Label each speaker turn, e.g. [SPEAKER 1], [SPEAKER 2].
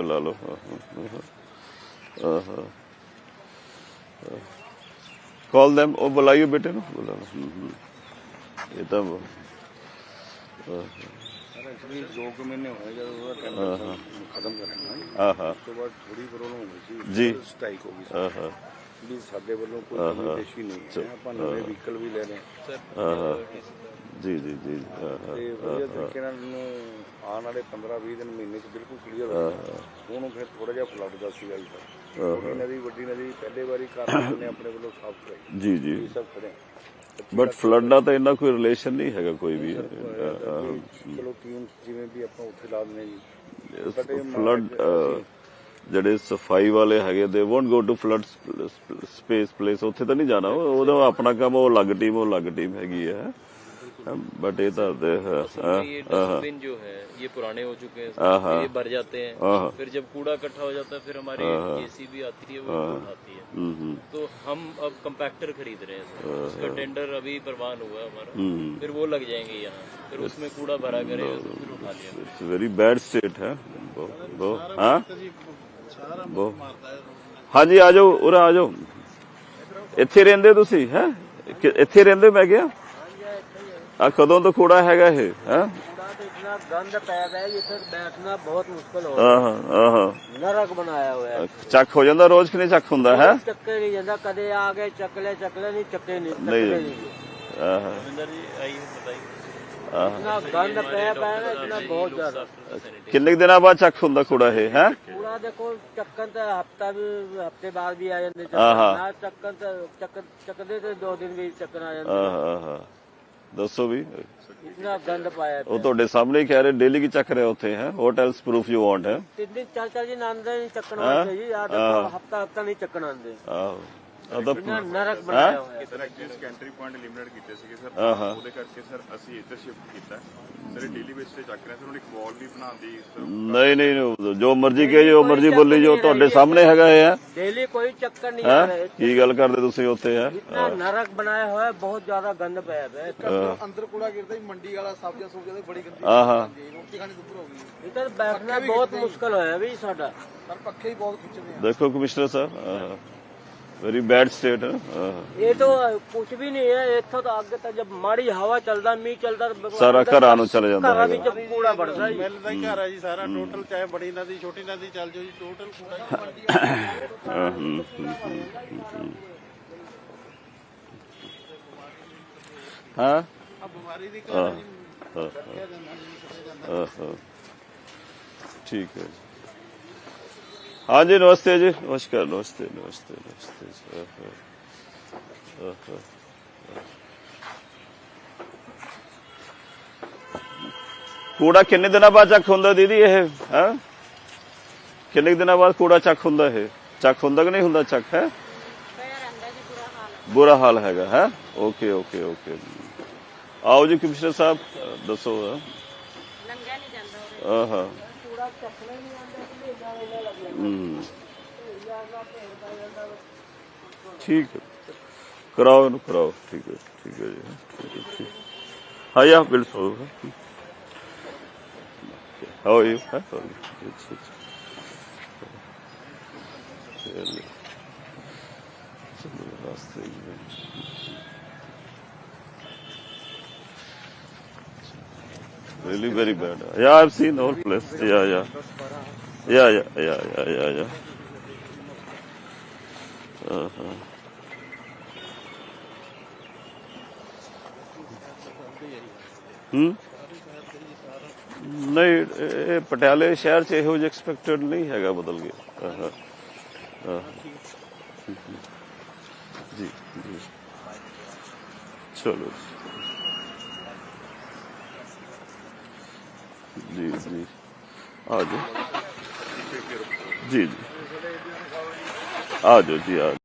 [SPEAKER 1] बुला लो। Call them, वो बुलाइयो बेटे नु, बुला लो। ये तो
[SPEAKER 2] एक्चुअली 2 महीने हो गए जब वो टेंडर खत्म करना ਉਸ ਤੋਂ ਬਾਅਦ ਥੋੜੀ ਪ੍ਰੋਬਲਮ ਹੋ ਗਈ ਸੀ
[SPEAKER 1] ਜੀ
[SPEAKER 2] ਸਟ੍ਰਾਈਕ ਹੋ ਗਈ ਸੀ ਵੀ ਸਾਡੇ ਵੱਲੋਂ ਕੋਈ ਕਮਿਊਨੀਕੇਸ਼ਨ ਨਹੀਂ ਹੈ ਆਪਾਂ ਨਵੇਂ ਵਹੀਕਲ ਵੀ ਲੈ ਰਹੇ ਹਾਂ
[SPEAKER 1] ਜੀ ਜੀ ਜੀ
[SPEAKER 2] ਤੇ ਵਧੀਆ ਤਰੀਕੇ ਨਾਲ ਆਉਣ ਵਾਲੇ 15-20 ਦਿਨ ਮਹੀਨੇ ਚ ਬਿਲਕੁਲ ਕਲੀਅਰ ਹੋ ਜਾਣਾ ਹੁਣ ਫਿਰ ਥੋੜਾ ਜਿਹਾ ਫਲੱਡ ਦਾ ਸੀਗਾ ਜੀ ਛੋਟੀ ਨਦੀ ਵੱਡੀ ਨਦੀ ਪਹਿਲੇ ਵਾਰੀ ਕਾਰਨ ਨੇ ਆਪਣੇ ਵੱਲੋਂ ਸਾਫ਼ ਕਰਾਈ
[SPEAKER 1] ਜੀ ਜੀ
[SPEAKER 2] ਸਭ ਖੜੇ
[SPEAKER 1] ਬਟ ਫਲੱਡ ਨਾਲ ਤਾਂ ਇੰਨਾ ਕੋਈ ਰਿਲੇਸ਼ਨ ਨਹੀਂ ਹੈਗਾ ਕੋਈ ਵੀ
[SPEAKER 2] ਚਲੋ ਟੀਮ ਜਿਵੇਂ ਵੀ ਆਪਾਂ ਉੱਥੇ ਲਾ ਦਿੰਦੇ ਜੀ
[SPEAKER 1] ਫਲੱਡ ਜਿਹੜੇ ਸਫਾਈ ਵਾਲੇ ਹੈਗੇ ਦੇ won't go to flood space place ਉੱਥੇ ਤਾਂ ਨਹੀਂ ਜਾਣਾ ਉਹਦਾ ਆਪਣਾ ਕੰਮ ਉਹ ਅਲੱਗ ਟੀਮ ਹੈਗੀ ਹੈ बट ये तो
[SPEAKER 3] ये डस्टबिन जो है ये पुराने हो चुके हैं ये भर जाते हैं फिर जब कूड़ा इकट्ठा हो जाता है फिर हमारी जेसीबी आती है वो उठाती है तो हम अब कंपैक्टर खरीद रहे हैं उसका टेंडर अभी प्रवान हुआ है हमारा फिर वो लग जाएंगे यहाँ फिर उसमें कूड़ा भरा करेगा तो फिर उठा लिया
[SPEAKER 1] इट्स वेरी बैड स्टेट है हाँ जी आ जाओ उरा आ जाओ ਇੱਥੇ ਰਹਿੰਦੇ ਤੁਸੀਂ ਹੈ ਇੱਥੇ ਰਹਿੰਦੇ ਮੈਂ ਕਿਹਾ ਆ ਕਦੋਂ ਤੋਂ ਕੂੜਾ ਹੈਗਾ ਇਹ ਹੈ
[SPEAKER 4] इतना गंद पैदा है जिसे बैठना बहुत मुश्किल हो रहा है नरक बनाया हुआ है
[SPEAKER 1] ਚੱਕ ਹੋ ਜਾਂਦਾ ਰੋਜ਼ ਕਿ ਨਹੀਂ ਚੱਕ ਹੁੰਦਾ ਹੈ
[SPEAKER 4] ਚੱਕੇ नहीं जाता कदे आ गए चकले नहीं चक्के नहीं
[SPEAKER 3] रविंदर जी आइए बताइए
[SPEAKER 4] इतना गंद पैदा है इतना बहुत ज्यादा
[SPEAKER 1] ਕਿੰਨੇ ਦਿਨਾਂ ਬਾਅਦ ਚੱਕ ਹੁੰਦਾ ਕੂੜਾ ਇਹ ਹੈ
[SPEAKER 4] कूड़ा देखो चक्कन तो हफ्ते बाद भी आ जाते चक्कदे तो 2 दिन भी चक्कन आ जाते
[SPEAKER 1] ਦੱਸੋ ਵੀ
[SPEAKER 4] इतना गंद पाया
[SPEAKER 1] ਉਹ ਤੁਹਾਡੇ ਸਾਹਮਣੇ ਹੀ ਕਹਿ ਰਹੇ ਡੇਲੀ ਕੀ ਚੱਕ ਰਹੇ ਉੱਥੇ ਹੈ ਹੋਟਲਸ ਪ੍ਰੂਫ ਯੂ ਵਾਂਟ ਹੈ
[SPEAKER 4] 3 दिन चल जी आंदे नहीं चक्कन आते जी हफ्ता नहीं चक्कन आंदे
[SPEAKER 1] ਆਹੋ
[SPEAKER 4] नरक बनाया हुआ है
[SPEAKER 5] sir actually sentry point limited ਕੀਤੇ ਸੀਗੇ ਸਰ ਉਹਦੇ ਕਰਕੇ ਸਰ ਅਸੀਂ ਇੱਧਰ ਸ਼ਿਫਟ ਕੀਤਾ ਸਰ ਡੇਲੀ ਬੇਸ ਤੇ ਚੱਕ ਰਹੇ ਸਰ ਉਹਨੇ ਇੱਕ ਵਾਲ ਵੀ ਬਣਾਉਂਦੀ
[SPEAKER 1] ਨਹੀਂ ਜੋ ਮਰਜ਼ੀ ਕਹੇ ਜੋ ਮਰਜ਼ੀ ਬੋਲੀ ਜੋ ਤੁਹਾਡੇ ਸਾਹਮਣੇ ਹੈਗਾ ਇਹ ਹੈ
[SPEAKER 4] डेली कोई चक्कर नहीं आ रहा है
[SPEAKER 1] ਕੀ ਗੱਲ ਕਰਦੇ ਤੁਸੀਂ ਉੱਥੇ ਹੈ
[SPEAKER 4] इतना नरक बनाया हुआ है बहुत ज्यादा गंद पाया है
[SPEAKER 6] ਅੰਦਰ ਕੂੜਾ ਗਿਰਦਾ ਹੀ ਮੰਡੀ ਵਾਲਾ ਸਬਜ਼ੀਆਂ ਦੀ ਬੜੀ ਗੰਦੀ ਰੋਟੀ ਖਾਣੀ ਦੁੱਪਰ ਹੋ ਗਈ
[SPEAKER 4] इधर बैठना बहुत मुश्किल होया भी साडा
[SPEAKER 6] ਸਰ ਪੱਖੇ ਹੀ ਬਹੁਤ ਖਿੱਚਦੇ ਆ
[SPEAKER 1] ਦੇਖੋ ਕਮਿਸ਼ਨਰ ਸਾਹਿਬ वेरी बैड स्टेट है
[SPEAKER 4] ये तो कुछ भी नहीं है इतो तो आगे तक जब माड़ी हवा चलता मीह चलता
[SPEAKER 1] सारा घरां नूं चले जांदा है
[SPEAKER 4] जब कूड़ा बढ़ता है
[SPEAKER 6] ਮਿਲ ਦਾ ਹੀ ਘਰ ਆ ਜੀ ਸਾਰਾ ਟੋਟਲ ਚਾਹੇ ਬੜੀ ਨਦੀ ਛੋਟੀ ਨਦੀ ਚੱਲ ਜਾਓ ਜੀ ਟੋਟਲ ਕੂੜਾ
[SPEAKER 1] हाँ
[SPEAKER 6] ਆ ਬਿਮਾਰੀ ਦੀ ਘਰ
[SPEAKER 1] ठीक है हाँ जी नमस्ते जी नमस्कार नमस्ते नमस्ते नमस्ते कूड़ा किन्ने दिनों बाद चक हुंदा दीदी ये है किन्ने दिनों बाद कूड़ा चक हुंदा है चक हुंदा कि नहीं हुंदा चक है बुरा हाल हैगा है ओके ओके ओके आओ जी कमिश्नर साहब दसो हाँ ठीक है कराओ ना कराओ ठीक है जी ठीक है ठीक हाँ या बिल्कुल हाउ आर यू रास्ते really very bad yeah I've seen the whole place yeah नहीं पटियाले शहर च ਇਹੋ ਜਿਹਾ ਐਕਸਪੈਕਟਡ ਨਹੀਂ ਹੈਗਾ ਬਦਲ ਗਿਆ जी जी चलो जी जी आ जाओ जी जी आ जाओ जी आ जाओ